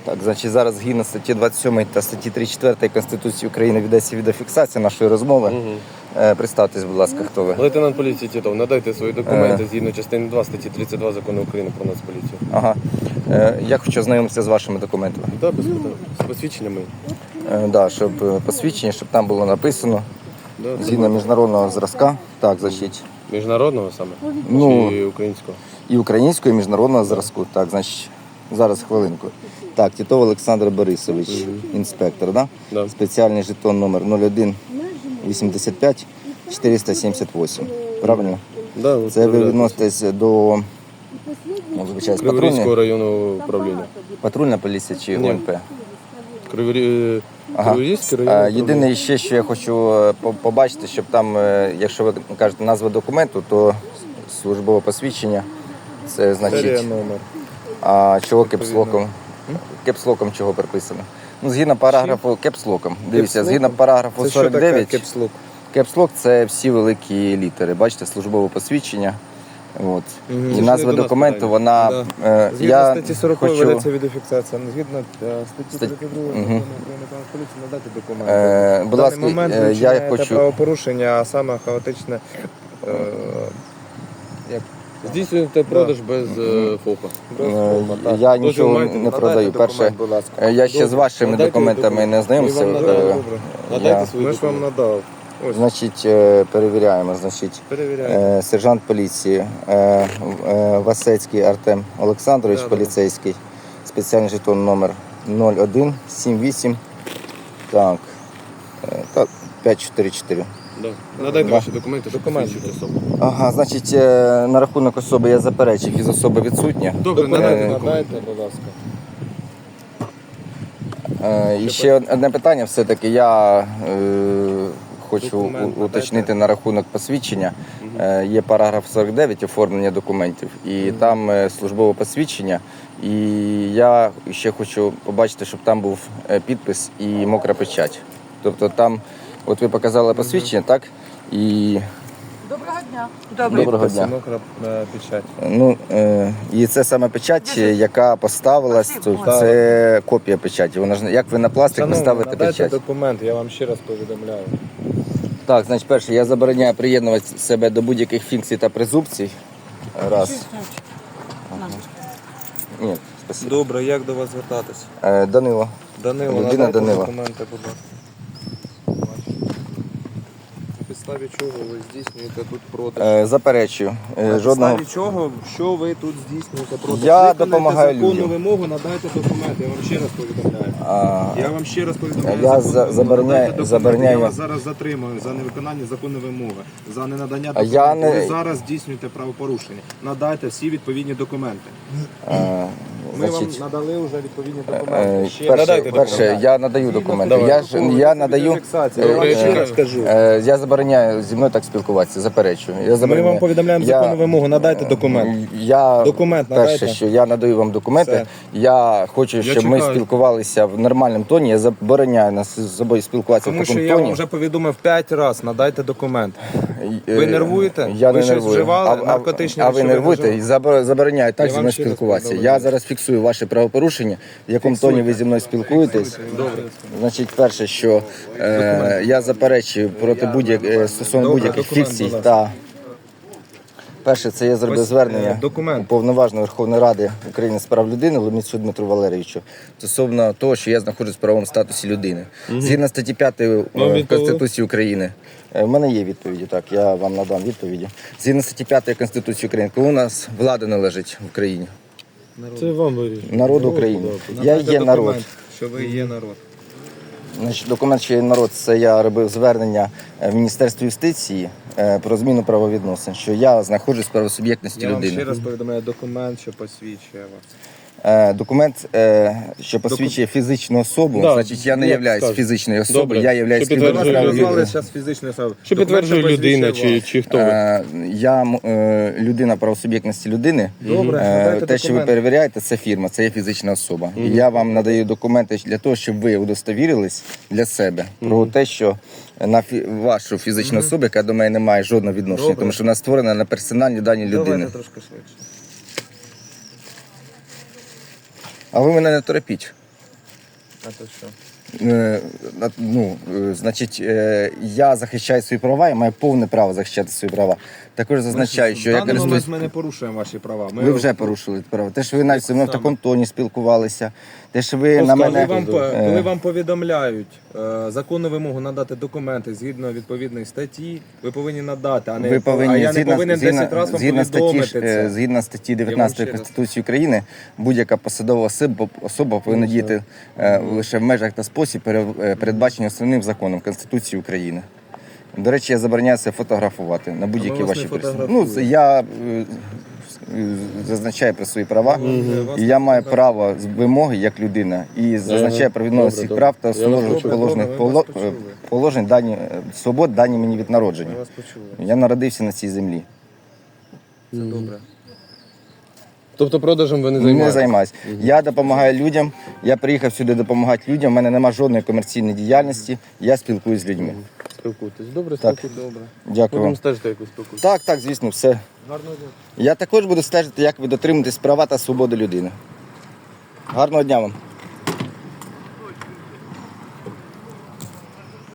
Так, значить, зараз згідно статті 27 та статті 34 Конституції України ведеться відеофіксація нашої розмови. Представтесь, будь ласка, хто ви? Лейтенант поліції Титов, надайте свої документи згідно частини 2 статті 32 Закону України про Нацполіцію. Ага. Я хочу ознайомитися з вашими документами. Так, без питань. З посвідченнями. Да, щоб посвідчення, щоб там було написано згідно міжнародного зразка. Так, значить. Міжнародного саме? Ну, чи українського? І українського, і міжнародного зразку. Так, значить, зараз хвилинку. Так, Титов Олександр Борисович, інспектор, да? Да. Спеціальний жетон номер 01 85 478. Правильно? Да, Це ви відноситесь до Криворізького районного управління. патрульна поліція чи Ні. ГУНП? Криворізький районний управління. Єдине ще, що я хочу побачити, щоб там, якщо ви кажете назва документу, то службове посвідчення, це Серія значить, номер. а чого кепслоком? Кепслоком чого приписано? Ну, згідно параграфу кепслоком. Дивіться, згідно параграфу Це що таке 49, кепслок? кепслок це всі великі літери. Бачите, службове посвідчення. От. І Це назва ж не до нас документу, питання. вона... Згідно я статті 40 хочу... ведеться відеофіксація. Згідно статті 32 Закону України про Нацполіцію надати документи. будь В ласка, даний момент ви я вчиняєте хочу... правопорушення, а саме хаотичне... Здійснюєте продаж без ФОПа. Я нічого маєте не продаю. Перше, будь ласка. я ще з вашими Надайте документами не знайомився. Ми вам надали. Надайте Я- свої Ми ж вам документи. надав. Ось, Значить, перевіряємо. Значить, перевіряємо. сержант поліції Васецький Артем Олександрович, Да. поліцейський, спеціальний жетон номер 0178. Так, 544. Да. Надайте Да. ваші документи, щоб Документи. посвідчити особу. Ага, значить, на рахунок особи я заперечив, фізособа відсутня. Добре, надайте документи. Надайте, будь ласка. І ще одне питання все-таки. Я хочу Документ уточнити на рахунок посвідчення. Є параграф 49 оформлення документів, і там службове посвідчення. І я ще хочу побачити, щоб там був підпис і мокра печать. Тобто там, от ви показали посвідчення, так? І Доброго дня. доброго дня. Мокра печать. Ну, і це саме печать, яка поставилась, то це копія печаті. Вона ж як ви на пластик Шановні, поставите надайте печать. документи, я вам ще раз повідомляю. Так, значить, перше, я забороняю приєднувати себе до будь-яких фікцій та презумпцій. Раз. Ні, спасибо. Добре, як до вас звертатись? Данило. Данило, Людина надайте Данила. документи, будь ласка. На підставі чого ви здійснюєте тут продаж? Заперечую. На Жодного. підставі чого, що ви тут здійснюєте продаж? Я Виконайте допомагаю законну людям. вимогу, надайте документи, я вам ще раз повідомляю. Я вам ще раз повідомляю. Я законну вимогу. забороняю- Надайте документи, забороняю- Я вас зараз затримую за невиконання законної вимоги, за ненадання А документів. я не- Ви зараз здійснюєте правопорушення. Надайте всі відповідні документи. Ми Значить, вам надали вже відповідні документи. Ще перше, я надаю документи. Давай. Я надаю. Відеофіксація. Я вам ще раз кажу. Я забороняю зі мною так спілкуватися, заперечую. Я Ми забороняю. вам повідомляємо Я- законну вимогу, надайте документ. Я Документ перше, надайте. що я надаю вам документи. Все. Я хочу, щоб ми чекаю. спілкувалися в нормальному тоні. Я забороняю нас з собою спілкуватися Тому в що такому я вам тоні. вже повідомив 5 разів, надайте документ. Ви Ви нервуєте? Я Ви не щось нервую. вживали? Наркотичні а ви речовини нервуєте і забороняю так Я зі вам мною ще раз спілкуватися. повідомляю. Я зараз фіксую ваше правопорушення, в якому тоні ви зі мною спілкуєтесь. Значить, перше, що я заперечую проти стосовно Добре, будь-яких документ, фікцій будь ласка. та перше, це я зробив Ось, звернення документ. уповноваженого Верховної Ради України з прав людини Ломіцю Дмитру Валерійовичу стосовно того, що я знаходжусь в правовому статусі людини. Згідно статті 5 Конституції України. У мене є відповіді, так, я вам надам відповіді. Згідно статті 5 Конституції України, коли у нас влада належить в Україні? Це вам вирішує. Народ України. Я Надайте є народ. документ, що ви є народ. Значить, документ, що є народ, це я робив звернення в Міністерство юстиції про зміну правовідносин, що я знаходжусь в правосуб'єктності Я вам ще людини. раз повідомляю документ, що посвідчує вас. Документ, що посвідчує фізичну особу, Да, значить я не як являюсь скажете. фізичною особою, Добре. я являюсь Що Ви підтверджує вас співробітником. назвали людина. зараз фізичною особою. Що підтверджує Документ, що людина посвідчує чи вас. хто ви? Я людина правосуб'єктності людини. Добре, надайте Те, що ви документ. перевіряєте, це фірма, це є фізична особа. І я вам надаю документи для того, щоб ви удостовірились для себе про те, що на вашу фізичну особу, яка до мене не має жодного відношення, Добре. тому що вона створена на персональні дані людини. Давайте трошки швидше. А ви мене не торопіть. А то що? Значить, я захищаю свої права і маю повне право захищати свої права. Також зазначаю, що в я даний момент користуюсь... ми не порушуємо ваші права. Ви вже порушили права. Те, що ви навіть зі мною в Саме. такому тоні спілкувалися, те, що ви на Коли мене... коли вам повідомляють законну вимогу надати документи згідно відповідної статті, ви повинні надати, а не Ви повинні, а я не повинен 10 разів вам згідно повідомити статті, це. згідно статті Я вам 19 ще раз- Конституції України, будь-яка посадова особа повинна діяти лише в межах та спосіб, передбачені основним законом Конституції України. До речі, я забороняю це фотографувати на будь-які вас не ваші присутні. фотографуємо. Я зазначаю про свої права, Вас і я маю право з вимоги як людина, і зазначаю про відновлення Добре, всіх прав та добре. Я вас почув. положених Добре, ми вас почули. положень свобод, дані мені від народження. Ми вас почули. Я народився на цій землі. Це добре. Тобто продажем ви не Не займаєтесь? займаюся. Я допомагаю людям. Я приїхав сюди допомагати людям. У мене немає жодної комерційної діяльності. Я спілкуюсь з людьми. Спілкуйтесь. Добре, Так. спілкуйтесь. Добре. Дякую Будемо вам. стежити, як ви спілкуєтесь. Так, звісно, все. Гарного дня. Я також буду стежити, як ви дотримуєтесь права та свободи людини. Гарного дня вам.